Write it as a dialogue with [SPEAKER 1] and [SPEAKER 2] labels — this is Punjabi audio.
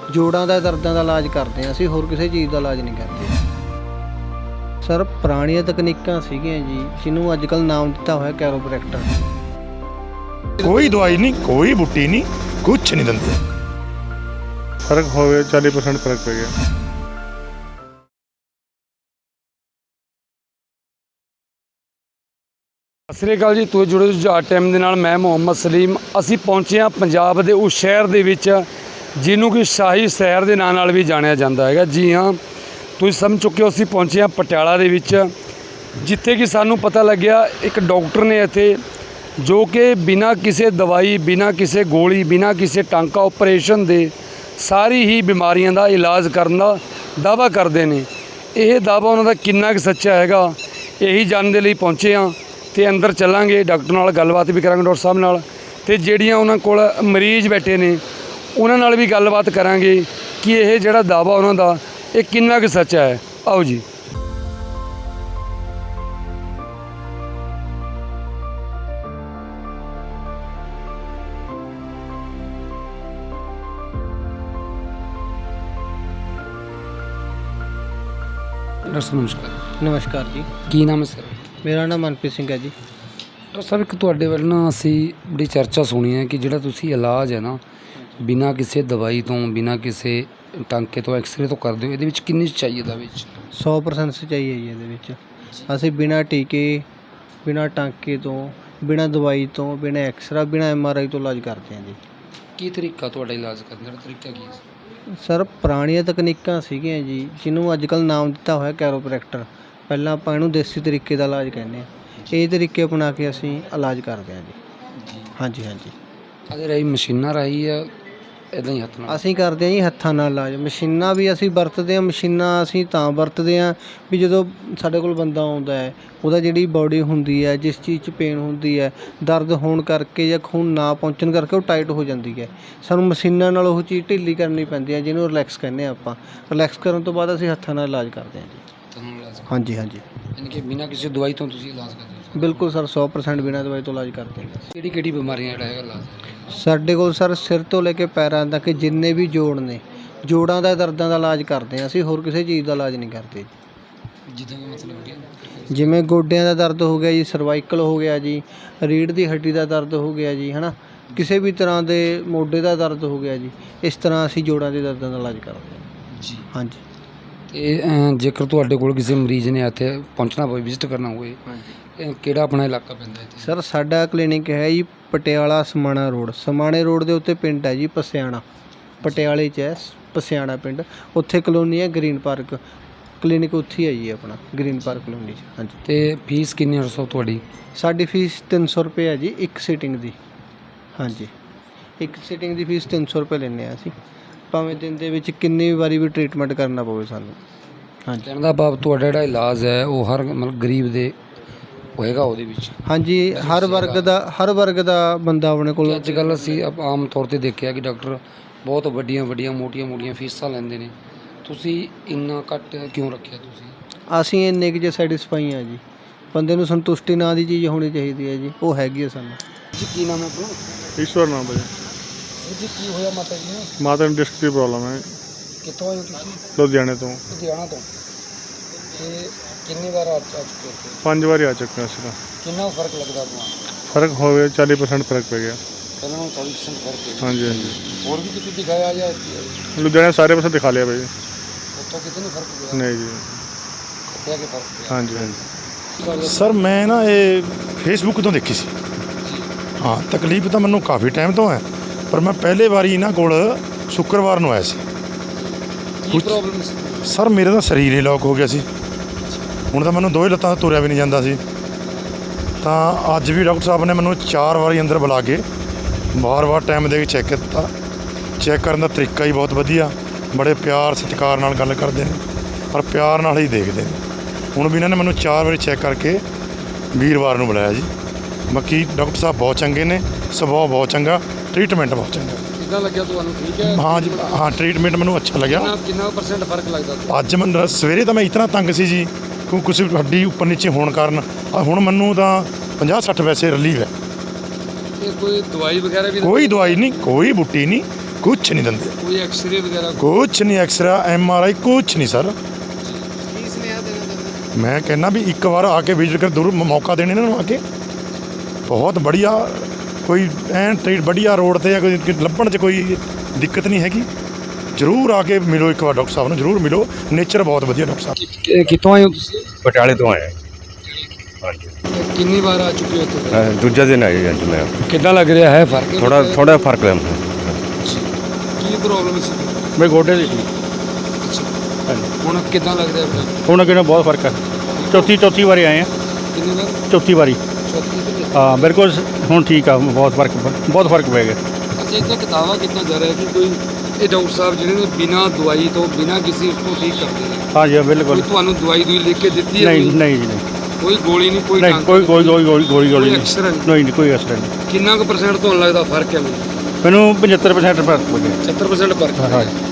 [SPEAKER 1] ਜੋੜਾਂ ਦਾ ਦਰਦਾਂ ਦਾ ਇਲਾਜ ਕਰਦੇ ਹਾਂ ਅਸੀਂ, ਹੋਰ ਕਿਸੇ ਚੀਜ਼ ਦਾ ਇਲਾਜ ਨਹੀਂ ਕਰਦੇ। ਸਰ ਪੁਰਾਣੀਆਂ ਤਕਨੀਕਾਂ ਸੀਗੀਆਂ ਜੀ, ਜਿਹਨੂੰ ਅੱਜ ਕੱਲ੍ਹ ਨਾਮ ਦਿੱਤਾ ਹੋਇਆ ਕੈਰੋਪ੍ਰੈਕਟਰ।
[SPEAKER 2] ਕੋਈ ਦਵਾਈ ਨਹੀਂ, ਕੋਈ ਬੂਟੀ ਨਹੀਂ, ਕੁਛ ਨਹੀਂ ਦਿੰਦੇ।
[SPEAKER 3] ਫਰਕ ਹੋ ਗਿਆ, 40% ਫਰਕ ਪੈ ਗਿਆ।
[SPEAKER 4] ਸਤਿ ਸ਼੍ਰੀ ਅਕਾਲ ਜੀ, ਤੁਸੀਂ ਜੁੜੇ ਜੁਝਾਰ ਟਾਈਮ ਦੇ ਨਾਲ। ਮੈਂ ਮੁਹੰਮਦ ਸਲੀਮ। ਅਸੀਂ ਪਹੁੰਚੇ ਹਾਂ ਪੰਜਾਬ ਦੇ ਉਸ ਸ਼ਹਿਰ ਦੇ ਵਿੱਚ ਜਿਹਨੂੰ ਕਿ ਸ਼ਾਹੀ ਸ਼ਹਿਰ ਦੇ ਨਾਂ ਨਾਲ ਵੀ ਜਾਣਿਆ ਜਾਂਦਾ ਹੈਗਾ। ਜੀ ਹਾਂ, ਤੁਸੀਂ ਸਮਝ ਚੁੱਕੇ ਹੋ, ਅਸੀਂ ਪਹੁੰਚੇ ਹਾਂ ਪਟਿਆਲਾ ਦੇ ਵਿੱਚ, ਜਿੱਥੇ ਕਿ ਸਾਨੂੰ ਪਤਾ ਲੱਗਿਆ ਇੱਕ ਡਾਕਟਰ ਨੇ ਇੱਥੇ, ਜੋ ਕਿ ਬਿਨਾਂ ਕਿਸੇ ਦਵਾਈ, ਬਿਨਾਂ ਕਿਸੇ ਗੋਲੀ, ਬਿਨਾਂ ਕਿਸੇ ਟਾਂਕਾ ਆਪਰੇਸ਼ਨ ਦੇ ਸਾਰੀ ਹੀ ਬਿਮਾਰੀਆਂ ਦਾ ਇਲਾਜ ਕਰਨ ਦਾ ਦਾਅਵਾ ਕਰਦੇ ਨੇ। ਇਹ ਦਾਅਵਾ ਉਹਨਾਂ ਦਾ ਕਿੰਨਾ ਕੁ ਸੱਚਾ ਹੈਗਾ, ਇਹੀ ਜਾਣਨ ਦੇ ਲਈ ਪਹੁੰਚੇ ਹਾਂ। ਤੇ ਅੰਦਰ ਚੱਲਾਂਗੇ, ਡਾਕਟਰ ਨਾਲ ਗੱਲਬਾਤ ਵੀ ਕਰਾਂਗੇ, ਡਾਕਟਰ ਸਾਹਿਬ ਨਾਲ, ਤੇ ਜਿਹੜੀਆਂ ਉਹਨਾਂ ਕੋਲ ਮਰੀਜ਼ ਬੈਠੇ ਨੇ ਉਹਨਾਂ ਨਾਲ ਵੀ ਗੱਲਬਾਤ ਕਰਾਂਗੇ ਕਿ ਇਹ ਜਿਹੜਾ ਦਾਅਵਾ ਉਹਨਾਂ ਦਾ ਇਹ ਕਿੰਨਾ ਕੁ ਸੱਚਾ ਹੈ। ਆਓ ਜੀ। ਡਾਕਟਰ ਸਾਹਿਬ ਨਮਸਕਾਰ।
[SPEAKER 1] ਨਮਸਕਾਰ ਜੀ,
[SPEAKER 4] ਕੀ ਨਾਮ ਹੈ ਸਰ?
[SPEAKER 1] ਮੇਰਾ ਨਾਮ ਮਨਪ੍ਰੀਤ ਸਿੰਘ ਹੈ ਜੀ।
[SPEAKER 4] ਡਾਕਟਰ ਸਾਹਿਬ, ਇੱਕ ਤੁਹਾਡੇ ਵੱਲ ਨਾ ਅਸੀਂ ਬੜੀ ਚਰਚਾ ਸੁਣੀ ਹੈ ਕਿ ਜਿਹੜਾ ਤੁਸੀਂ ਇਲਾਜ ਹੈ ਨਾ, ਬਿਨਾਂ ਕਿਸੇ ਦਵਾਈ ਤੋਂ, ਬਿਨਾਂ ਕਿਸੇ ਟਾਂਕੇ ਤੋਂ, ਐਕਸਰੇ ਤੋਂ ਕਰਦੇ ਹੋ, ਇਹਦੇ ਵਿੱਚ ਕਿੰਨੀ ਸੱਚਾਈ ਇਹਦੇ ਵਿੱਚ?
[SPEAKER 1] 100% ਸੱਚਾਈ ਹੈ ਜੀ ਇਹਦੇ ਵਿੱਚ। ਅਸੀਂ ਬਿਨਾਂ ਟੀਕੇ, ਬਿਨਾਂ ਟਾਂਕੇ ਤੋਂ, ਬਿਨਾਂ ਦਵਾਈ ਤੋਂ, ਬਿਨਾਂ ਐਕਸਰਾ, ਬਿਨਾਂ MRI ਤੋਂ ਇਲਾਜ ਕਰਦੇ ਹਾਂ ਜੀ।
[SPEAKER 4] ਕੀ ਤਰੀਕਾ ਤੁਹਾਡਾ ਇਲਾਜ ਕਰਨ ਦਾ ਤਰੀਕਾ ਕੀ ਹੈ?
[SPEAKER 1] ਸਰ ਪੁਰਾਣੀਆਂ ਤਕਨੀਕਾਂ ਸੀਗੀਆਂ ਜੀ, ਜਿਹਨੂੰ ਅੱਜ ਕੱਲ੍ਹ ਨਾਮ ਦਿੱਤਾ ਹੋਇਆ ਕੈਰੋਪ੍ਰੈਕਟਰ। ਪਹਿਲਾਂ ਆਪਾਂ ਇਹਨੂੰ ਦੇਸੀ ਤਰੀਕੇ ਦਾ ਇਲਾਜ ਕਹਿੰਦੇ ਹਾਂ। ਇਹ ਤਰੀਕੇ ਅਪਣਾ ਕੇ ਅਸੀਂ ਇਲਾਜ ਕਰਦੇ ਹਾਂ ਜੀ। ਹਾਂਜੀ ਹਾਂਜੀ।
[SPEAKER 4] ਅਗਰ ਇਹ ਮਸ਼ੀਨਾਂ ਰਾਹੀਂ ਜਾਂ ਇੱਦਾਂ ਹੀ ਹੱਥ ਨਾਲ?
[SPEAKER 1] ਅਸੀਂ ਕਰਦੇ ਹਾਂ ਜੀ ਹੱਥਾਂ ਨਾਲ ਇਲਾਜ। ਮਸ਼ੀਨਾਂ ਵੀ ਅਸੀਂ ਵਰਤਦੇ ਹਾਂ। ਮਸ਼ੀਨਾਂ ਅਸੀਂ ਤਾਂ ਵਰਤਦੇ ਹਾਂ ਵੀ ਜਦੋਂ ਸਾਡੇ ਕੋਲ ਬੰਦਾ ਆਉਂਦਾ ਹੈ, ਉਹਦਾ ਜਿਹੜੀ ਬਾਡੀ ਹੁੰਦੀ ਹੈ, ਜਿਸ ਚੀਜ਼ 'ਚ ਪੇਨ ਹੁੰਦੀ ਹੈ, ਦਰਦ ਹੋਣ ਕਰਕੇ ਜਾਂ ਖੂਨ ਨਾ ਪਹੁੰਚਣ ਕਰਕੇ ਉਹ ਟਾਈਟ ਹੋ ਜਾਂਦੀ ਹੈ। ਸਾਨੂੰ ਮਸ਼ੀਨਾਂ ਨਾਲ ਉਹ ਚੀਜ਼ ਢਿੱਲੀ ਕਰਨੀ ਪੈਂਦੀ ਹੈ, ਜਿਹਨੂੰ ਰਿਲੈਕਸ ਕਹਿੰਦੇ ਹਾਂ ਆਪਾਂ। ਰਿਲੈਕਸ ਕਰਨ ਤੋਂ ਬਾਅਦ ਅਸੀਂ ਹੱਥਾਂ ਨਾਲ ਇਲਾਜ ਕਰਦੇ ਹਾਂ ਜੀ। ਹਾਂਜੀ ਹਾਂਜੀ।
[SPEAKER 4] ਯਾਨੀ ਕਿ ਬਿਨਾਂ ਕਿਸੇ ਦਵਾਈ ਤੋਂ ਤੁਸੀਂ ਇਲਾਜ ਕਰਦੇ ਹੋ?
[SPEAKER 1] ਬਿਲਕੁਲ ਸਰ, 100% ਬਿਨਾਂ ਦਵਾਈ ਤੋਂ ਇਲਾਜ ਕਰਦੇ ਹਾਂ।
[SPEAKER 4] ਕਿਹੜੀ ਕਿਹੜੀ ਬਿਮਾਰੀਆਂ ਜਿਹੜਾ ਹੈਗਾ ਇਲਾਜ?
[SPEAKER 1] ਸਾਡੇ ਕੋਲ ਸਰ ਸਿਰ ਤੋਂ ਲੈ ਕੇ ਪੈਰਾਂ ਤੱਕ ਜਿੰਨੇ ਵੀ ਜੋੜ ਨੇ, ਜੋੜਾਂ ਦਾ ਦਰਦਾਂ ਦਾ ਇਲਾਜ ਕਰਦੇ ਹਾਂ ਅਸੀਂ, ਹੋਰ ਕਿਸੇ ਚੀਜ਼ ਦਾ ਇਲਾਜ ਨਹੀਂ ਕਰਦੇ।
[SPEAKER 4] ਜਿੱਦਾਂ ਮਤਲਬ
[SPEAKER 1] ਜਿਵੇਂ ਗੋਡਿਆਂ ਦਾ ਦਰਦ ਹੋ ਗਿਆ ਜੀ, ਸਰਵਾਈਕਲ ਹੋ ਗਿਆ ਜੀ, ਰੀੜ੍ਹ ਦੀ ਹੱਡੀ ਦਾ ਦਰਦ ਹੋ ਗਿਆ ਜੀ, ਹੈ ਨਾ, ਕਿਸੇ ਵੀ ਤਰ੍ਹਾਂ ਦੇ ਮੋਢੇ ਦਾ ਦਰਦ ਹੋ ਗਿਆ ਜੀ, ਇਸ ਤਰ੍ਹਾਂ ਅਸੀਂ ਜੋੜਾਂ ਦੇ ਦਰਦਾਂ ਦਾ ਇਲਾਜ ਕਰਦੇ ਹਾਂ
[SPEAKER 4] ਜੀ।
[SPEAKER 1] ਹਾਂਜੀ।
[SPEAKER 4] ਤੇ ਜੇਕਰ ਤੁਹਾਡੇ ਕੋਲ ਕਿਸੇ ਮਰੀਜ਼ ਨੇ ਇੱਥੇ ਪਹੁੰਚਣਾ ਹੋਵੇ, ਵਿਜ਼ਿਟ ਕਰਨਾ ਹੋਵੇ, ਕਿਹੜਾ ਆਪਣਾ ਇਲਾਕਾ ਪੈਂਦਾ ਇੱਥੇ?
[SPEAKER 1] ਸਰ ਸਾਡਾ ਕਲੀਨਿਕ ਹੈ ਜੀ ਪਟਿਆਲਾ ਸਮਾਣਾ ਰੋਡ। ਸਮਾਣੇ ਰੋਡ ਦੇ ਉੱਤੇ ਪਿੰਡ ਹੈ ਜੀ ਪਸਿਆਣਾ, ਪਟਿਆਲੇ 'ਚ ਹੈ ਪਸਿਆਣਾ ਪਿੰਡ। ਉੱਥੇ ਕਲੋਨੀ ਹੈ ਗ੍ਰੀਨ ਪਾਰਕ, ਕਲੀਨਿਕ ਉੱਥੇ ਹੀ ਹੈ ਜੀ ਆਪਣਾ, ਗ੍ਰੀਨ ਪਾਰਕ ਕਲੋਨੀ 'ਚ। ਹਾਂਜੀ।
[SPEAKER 4] ਤੇ ਫੀਸ ਕਿੰਨੀ ਹੈ ਸਰ ਤੁਹਾਡੀ?
[SPEAKER 1] ਸਾਡੀ ਫੀਸ 300 ਰੁਪਏ ਹੈ ਜੀ ਇੱਕ ਸੀਟਿੰਗ ਦੀ। ਹਾਂਜੀ, ਇੱਕ ਸੀਟਿੰਗ ਦੀ ਫੀਸ 300 ਰੁਪਏ ਲੈਂਦੇ ਹਾਂ ਅਸੀਂ, ਭਾਵੇਂ ਦਿਨ ਦੇ ਵਿੱਚ ਕਿੰਨੀ ਵਾਰੀ ਵੀ ਟਰੀਟਮੈਂਟ ਕਰਨਾ ਪਵੇ ਸਾਨੂੰ। ਹਾਂਜੀ।
[SPEAKER 4] ਕਹਿਣ ਦਾ ਭਾਵ ਤੁਹਾਡਾ ਜਿਹੜਾ ਇਲਾਜ ਹੈ ਉਹ ਹਰ ਮਤਲਬ ਗਰੀਬ ਦੇ ਹੋਏਗਾ ਉਹਦੇ ਵਿੱਚ?
[SPEAKER 1] ਹਾਂਜੀ, ਹਰ ਵਰਗ ਦਾ ਬੰਦਾ ਆਪਣੇ ਕੋਲ।
[SPEAKER 4] ਅੱਜ ਕੱਲ੍ਹ ਅਸੀਂ ਆਮ ਤੌਰ 'ਤੇ ਦੇਖਿਆ ਕਿ ਡਾਕਟਰ ਬਹੁਤ ਵੱਡੀਆਂ ਮੋਟੀਆਂ ਫੀਸਾਂ ਲੈਂਦੇ ਨੇ, ਤੁਸੀਂ ਇੰਨਾ ਘੱਟ ਕਿਉਂ ਰੱਖਿਆ ਤੁਸੀਂ?
[SPEAKER 1] ਅਸੀਂ ਇੰਨੇ ਕੁ ਜੇ ਸੈਟਿਸਫਾਈ ਹਾਂ ਜੀ। ਬੰਦੇ ਨੂੰ ਸੰਤੁਸ਼ਟੀ ਨਾਂ ਦੀ ਚੀਜ਼ ਹੋਣੀ ਚਾਹੀਦੀ ਹੈ ਜੀ, ਉਹ ਹੈਗੀ ਹੈ ਸਾਨੂੰ।
[SPEAKER 4] ਜੀ ਕੀ ਨਾਮ ਹੈ ਆਪਣਾ?
[SPEAKER 3] ਈਸ਼ਵਰ ਨਾਮ ਭਾਜੀ।
[SPEAKER 4] ਜੀ ਕੀ ਹੋਇਆ ਮਾਤਾ ਜੀ ਨੂੰ?
[SPEAKER 3] ਮਾਤਾ ਨੂੰ ਡਿਸਕ ਦੀ ਪ੍ਰੋਬਲਮ ਹੈ।
[SPEAKER 4] ਕਿੱਥੋਂ ਆਏ ਹੋ ਤੁਸੀਂ?
[SPEAKER 3] ਲੁਧਿਆਣੇ ਤੋਂ।
[SPEAKER 4] ਲੁਧਿਆਣਾ ਤੋਂ। ਤੇ ਕਿੰਨੀ ਵਾਰ ਆ ਚੁੱਕੇ ਹੋ?
[SPEAKER 3] 5 ਵਾਰੀ ਆ ਚੁੱਕਾ ਅਸੀਂ ਤਾਂ।
[SPEAKER 4] ਕਿੰਨਾ ਫਰਕ ਲੱਗਦਾ ਤੁਹਾਨੂੰ?
[SPEAKER 3] ਫਰਕ ਹੋ ਗਿਆ, 40% ਫਰਕ ਪੈ ਗਿਆ।
[SPEAKER 4] ਪਹਿਲਾਂ ਨਾਲੋਂ 40% ਫਰਕ ਹੈ?
[SPEAKER 3] ਹਾਂਜੀ ਹਾਂਜੀ।
[SPEAKER 4] ਹੋਰ ਵੀ ਕਿਤੇ ਦਿਖਾਇਆ ਜਾਂ
[SPEAKER 3] ਲੁਧਿਆਣੇ ਸਾਰੇ ਪਾਸੇ ਦਿਖਾ ਲਿਆ ਭਾਈ।
[SPEAKER 4] ਉੱਥੋਂ ਕਿਤੇ ਨਹੀਂ ਫਰਕ ਪਿਆ?
[SPEAKER 3] ਨਹੀਂ ਜੀ।
[SPEAKER 4] ਕਿਹਾ ਕਿ ਫਰਕ ਪਿਆ?
[SPEAKER 3] ਹਾਂਜੀ ਹਾਂਜੀ।
[SPEAKER 2] ਸਰ ਮੈਂ ਨਾ ਇਹ ਫੇਸਬੁੱਕ ਤੋਂ ਦੇਖੀ ਸੀ। ਹਾਂ, ਤਕਲੀਫ ਤਾਂ ਮੈਨੂੰ ਕਾਫੀ ਟਾਈਮ ਤੋਂ ਹੈ, ਪਰ ਮੈਂ ਪਹਿਲੇ ਵਾਰੀ ਇਹਨਾਂ ਕੋਲ ਸ਼ੁੱਕਰਵਾਰ ਨੂੰ ਆਇਆ ਸੀ।
[SPEAKER 4] ਕੀ ਪ੍ਰੋਬਲਮ ਸੀ?
[SPEAKER 2] ਸਰ ਮੇਰੇ ਤਾਂ ਸਰੀਰ ਹੀ ਲੋਕ ਹੋ ਗਿਆ ਸੀ। ਹੁਣ ਤਾਂ ਮੈਨੂੰ ਦੋਵੇਂ ਲੱਤਾਂ ਤੋਂ ਤੁਰਿਆ ਵੀ ਨਹੀਂ ਜਾਂਦਾ ਸੀ। ਤਾਂ ਅੱਜ ਵੀ ਡਾਕਟਰ ਸਾਹਿਬ ਨੇ ਮੈਨੂੰ 4 ਵਾਰੀ ਅੰਦਰ ਬੁਲਾ ਕੇ ਵਾਰ-ਵਾਰ ਟਾਈਮ ਦੇ ਕੇ ਚੈੱਕ ਕੀਤਾ। ਚੈੱਕ ਕਰਨ ਦਾ ਤਰੀਕਾ ਹੀ ਬਹੁਤ ਵਧੀਆ, ਬੜੇ ਪਿਆਰ ਸਤਿਕਾਰ ਨਾਲ ਗੱਲ ਕਰਦੇ ਨੇ, ਪਰ ਪਿਆਰ ਨਾਲ ਹੀ ਦੇਖਦੇ ਨੇ। ਹੁਣ ਵੀ ਇਹਨਾਂ ਨੇ ਮੈਨੂੰ 4 ਵਾਰੀ ਚੈੱਕ ਕਰਕੇ ਵੀਰਵਾਰ ਨੂੰ ਬੁਲਾਇਆ ਜੀ। ਬਾਕੀ ਡਾਕਟਰ ਸਾਹਿਬ ਬਹੁਤ ਚੰਗੇ ਨੇ, ਸੁਭਾਅ ਬਹੁਤ ਚੰਗਾ, ਟਰੀਟਮੈਂਟ ਬਹੁਤ ਚੰਗਾ।
[SPEAKER 4] ਕਿੱਦਾਂ ਲੱਗਿਆ ਤੁਹਾਨੂੰ? ਠੀਕ ਹੈ?
[SPEAKER 2] ਹਾਂ ਜੀ, ਹਾਂ ਟਰੀਟਮੈਂਟ ਮੈਨੂੰ ਅੱਛਾ ਲੱਗਿਆ।
[SPEAKER 4] ਕਿੰਨਾ % ਫਰਕ ਲੱਗਦਾ?
[SPEAKER 2] ਅੱਜ ਮੈਨੂੰ ਸਵੇਰੇ ਤਾਂ ਮੈਂ ਇਤਨਾ ਤੰਗ ਸੀ ਜੀ, ਕਿਉਂਕਿ ਕੁਛ ਹੱਡੀ ਉੱਪਰ ਨੀਚੇ ਹੋਣ ਕਾਰਨ। ਹੁਣ ਮੈਨੂੰ ਤਾਂ 50-60 ਵੈਸੇ ਰਿਲੀਵ ਹੈ।
[SPEAKER 4] ਇਹ ਕੋਈ ਦਵਾਈ ਵਗੈਰਾ ਵੀ?
[SPEAKER 2] ਕੋਈ ਦਵਾਈ ਨਹੀਂ, ਕੋਈ ਬੂਟੀ ਨਹੀਂ, ਕੁਛ ਨਹੀਂ ਦਿੰਦੇ,
[SPEAKER 4] ਕੋਈ ਐਕਸਰੇ ਵਗੈਰਾ?
[SPEAKER 2] ਕੁਛ ਨਹੀਂ, ਐਕਸਰਾ MRI ਕੁਛ ਨਹੀਂ ਸਰ।
[SPEAKER 1] ਕੀ ਸੁਨੇਹਾ ਦੇਣਾ ਚਾਹੁੰਦੇ?
[SPEAKER 2] ਮੈਂ ਕਹਿੰਦਾ ਵੀ ਇੱਕ ਵਾਰ ਆ ਕੇ ਵਿਜ਼ਿਟ ਕਰ, ਜ਼ਰੂਰ ਮੌਕਾ ਦੇਣ ਇਹਨਾਂ ਨੂੰ ਆ ਕੇ। ਬਹੁਤ ਬੜੀਆ, ਕੋਈ ਐਨ ਟ੍ਰੀਟ ਵਧੀਆ ਰੋਡ ਤੇ ਆ, ਕੋਈ ਲੱਭਣ 'ਚ ਕੋਈ ਦਿੱਕਤ ਨਹੀਂ ਹੈਗੀ। ਜ਼ਰੂਰ ਆ ਕੇ ਮਿਲੋ ਇੱਕ ਵਾਰ ਡਾਕਟਰ ਸਾਹਿਬ ਨੂੰ, ਜ਼ਰੂਰ ਮਿਲੋ। ਨੇਚਰ ਬਹੁਤ ਵਧੀਆ ਡਾਕਟਰ ਸਾਹਿਬ।
[SPEAKER 4] ਕਿੱਥੋਂ ਆਏ ਹੋ ਤੁਸੀਂ?
[SPEAKER 5] ਪਟਿਆਲੇ ਤੋਂ ਆਏ ਹਾਂਜੀ।
[SPEAKER 4] ਕਿੰਨੀ ਵਾਰ ਆ ਚੁੱਕੇ ਹੋ ਇੱਥੇ?
[SPEAKER 5] ਦੂਜਾ ਦਿਨ ਆਏ ਜੀ ਅੱਜ ਮੈਂ।
[SPEAKER 4] ਕਿੱਦਾਂ ਲੱਗ ਰਿਹਾ ਹੈ ਫਰਕ?
[SPEAKER 5] ਥੋੜਾ ਫਰਕ ਹੈ।
[SPEAKER 4] ਕੀ ਪ੍ਰੋਬਲਮ ਸੀ?
[SPEAKER 3] ਮੇਰੇ ਗੋਡੇ ਦੀ ਸੀ।
[SPEAKER 4] ਹੁਣ ਕਿੱਦਾਂ ਲੱਗ ਰਿਹਾ ਫਰਕ?
[SPEAKER 3] ਹੁਣ ਅੱਗੇ ਨਾਲ ਬਹੁਤ ਫਰਕ ਹੈ। ਚੌਥੀ ਵਾਰੀ ਆਏ ਆ।
[SPEAKER 4] ਕਿੰਨੀ ਵਾਰ?
[SPEAKER 3] ਚੌਥੀ ਵਾਰੀ। ਹਾਂ ਬਿਲਕੁਲ ਹੁਣ ਠੀਕ ਆ, ਬਹੁਤ ਫਰਕ ਪੈ ਗਿਆ।
[SPEAKER 4] ਅੱਛਾ, ਇੱਥੇ ਕਿਤਾਬਾ ਕੀਤਾ ਜਾ ਰਿਹਾ ਕਿ ਕੋਈ ਇਹ ਡਾਕਟਰ ਸਾਹਿਬ ਜਿਹੜੇ ਨੇ ਬਿਨਾਂ ਦਵਾਈ ਤੋਂ, ਬਿਨਾਂ ਕਿਸੇ ਉਸ ਤੋਂ ਠੀਕ ਕਰਦੇ ਨੇ?
[SPEAKER 3] ਹਾਂਜੀ ਬਿਲਕੁਲ।
[SPEAKER 4] ਕੋਈ ਤੁਹਾਨੂੰ ਦਵਾਈ ਲਿਖ ਕੇ ਦਿੱਤੀ ਹੈ?
[SPEAKER 3] ਨਹੀਂ ਜੀ,
[SPEAKER 4] ਕੋਈ ਗੋਲੀ ਨਹੀਂ, ਕੋਈ
[SPEAKER 3] ਨਹੀਂ, ਕੋਈ ਗੋਲੀ
[SPEAKER 4] ਕੋਈ
[SPEAKER 3] ਨਹੀਂ,
[SPEAKER 4] ਐਕਸਰਾ ਨਹੀਂ?
[SPEAKER 3] ਨਹੀਂ ਕੋਈ ਅਸਰ ਨਹੀਂ।
[SPEAKER 4] ਕਿੰਨਾ ਕੁ % ਤੁਹਾਨੂੰ ਲੱਗਦਾ ਫਰਕ ਹੈ?
[SPEAKER 3] ਮੈਨੂੰ 75% ਫਰਕ ਪੈ ਗਿਆ।
[SPEAKER 4] 70% ਫਰਕ ਹੈ।
[SPEAKER 3] ਹਾਂਜੀ।